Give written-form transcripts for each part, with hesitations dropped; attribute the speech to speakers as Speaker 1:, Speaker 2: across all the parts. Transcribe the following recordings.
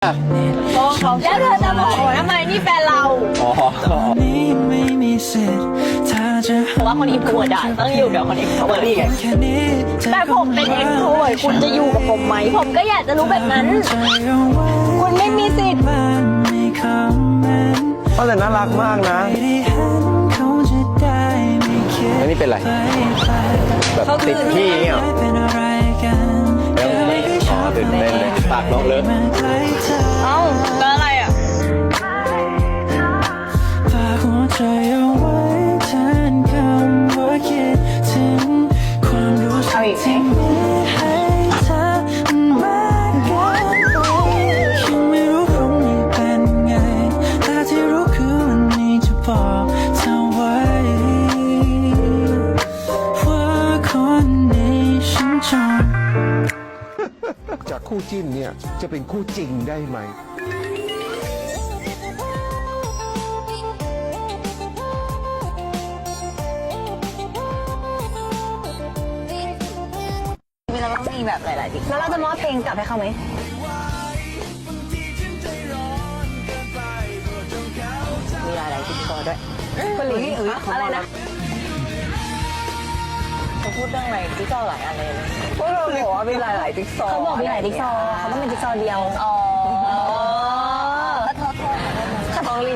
Speaker 1: แล้วเธอจะโมโหทำไมนี่แฟนเรา
Speaker 2: อ๋อ
Speaker 1: ว่าคนอินโทรเวิร์ดอะต้องอยู่กับคนเอ็กโทรเวิร์ดแต่ผมเป็นเอ็กโทรเวิร์ดคุณจะอยู่กับผมไหมผมก็อยากจะรู้แบบนั้นคุณไม่มีสิทธิ์
Speaker 2: แต่น่ารักมากนะแล้วนี่เป็นไรแบบติดพี่เนี่ยอ๋อตื่นเต้นเลยปากน้องเลอะ
Speaker 1: เอ้าแล้วอะไรอ่ะเอาอีกไหม
Speaker 3: จากคู่จิ้นเนี่ยจะเป็นคู่จริงได้ไหม
Speaker 1: เราต้องมีแบบหลายๆดิแล้วเราจะมอบเพลงกลับให้เขาไหมมีหลายๆจิ๊กซอว์ด้วยคนหลิงอะไรนะเขาพูดเรื่องอะไรจิ๊กซอว์หลายอะไรเลยพวกเราบอกว่ามีหลายๆจิ๊กซอว์เขาบอกมีหลายจิ๊กซอว์เขาต้องเป็นจิ๊กซอว์เดียวอ๋อโทษขอโทษหลิง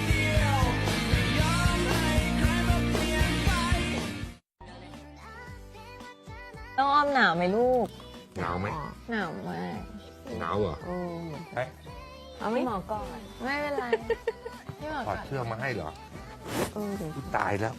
Speaker 1: ต้องอ้อมหนาวไหมลูก
Speaker 3: หนาวไหม
Speaker 1: หนาวมาก
Speaker 3: หนาวเหรอ
Speaker 1: เอาไม่หมอก่อนไม่เป็นไรไม่หมอ
Speaker 3: ถอ
Speaker 1: ก่
Speaker 3: ด
Speaker 1: อน
Speaker 3: เสื้อมาให้เหรอตายแล้ว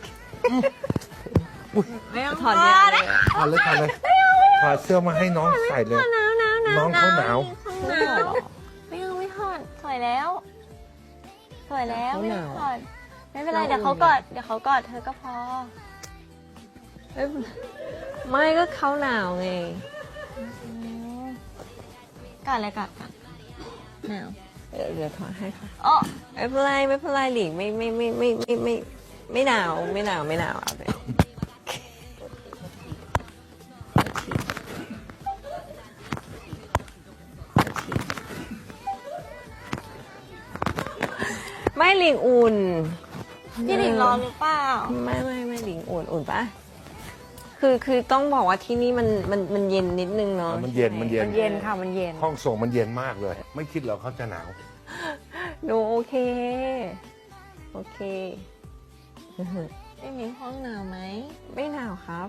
Speaker 1: ไม่ต้องถอดเลย
Speaker 3: ถอดเลยถอดเสื้อมาให้น้องใส่เลยน้องเขาหนาว
Speaker 1: ไม่เอาไม่ถอดสวยแล้วไม่ถอดไม่เป็นไรเดี๋ยวเขากอดเธอก็พอ
Speaker 4: ไม่ก็เขาหนาวไง
Speaker 1: กอดเลยกอดหนาว
Speaker 4: เดี๋ยวถอดให้ค่ะ
Speaker 1: อ๋อ
Speaker 4: ไม่เป็นไรหลิงไม่หนาวเอาเลยไม่หลิงอุ่น
Speaker 1: พี่หลิงร้อนหรือเปล่า
Speaker 4: ไม่หลิงอุ่นปะคือต้องบอกว่าที่นี่มันเย็นนิดนึงเนาะ
Speaker 3: มันเย็น
Speaker 4: ค่ะมันเย็น
Speaker 3: ห้องส่งมันเย็นมากเลยไม่คิดเหรอเขาจะหนาว
Speaker 4: หนูโอเค
Speaker 1: พี่หลิงห้องหนาวไหม
Speaker 4: ไม่หนาวครับ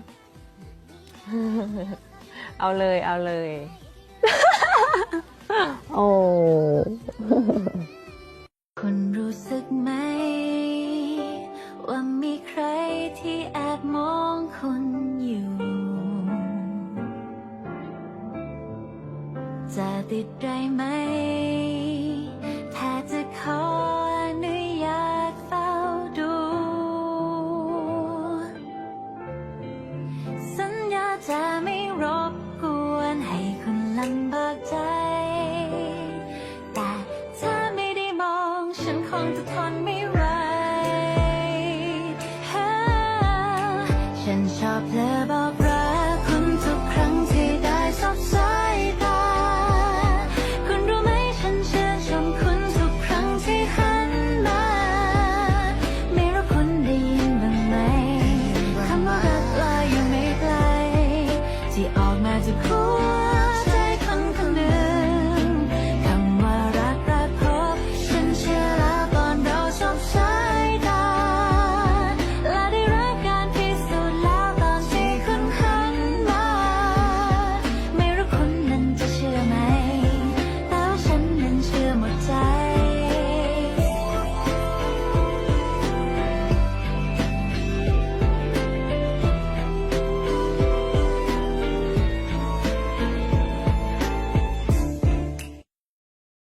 Speaker 4: เอาเลยโอ้
Speaker 5: คุณรู้สึกไหมว่ามีใครที่แอบมองคุณอยู่จะติดได้ไหมถ้าจะขอ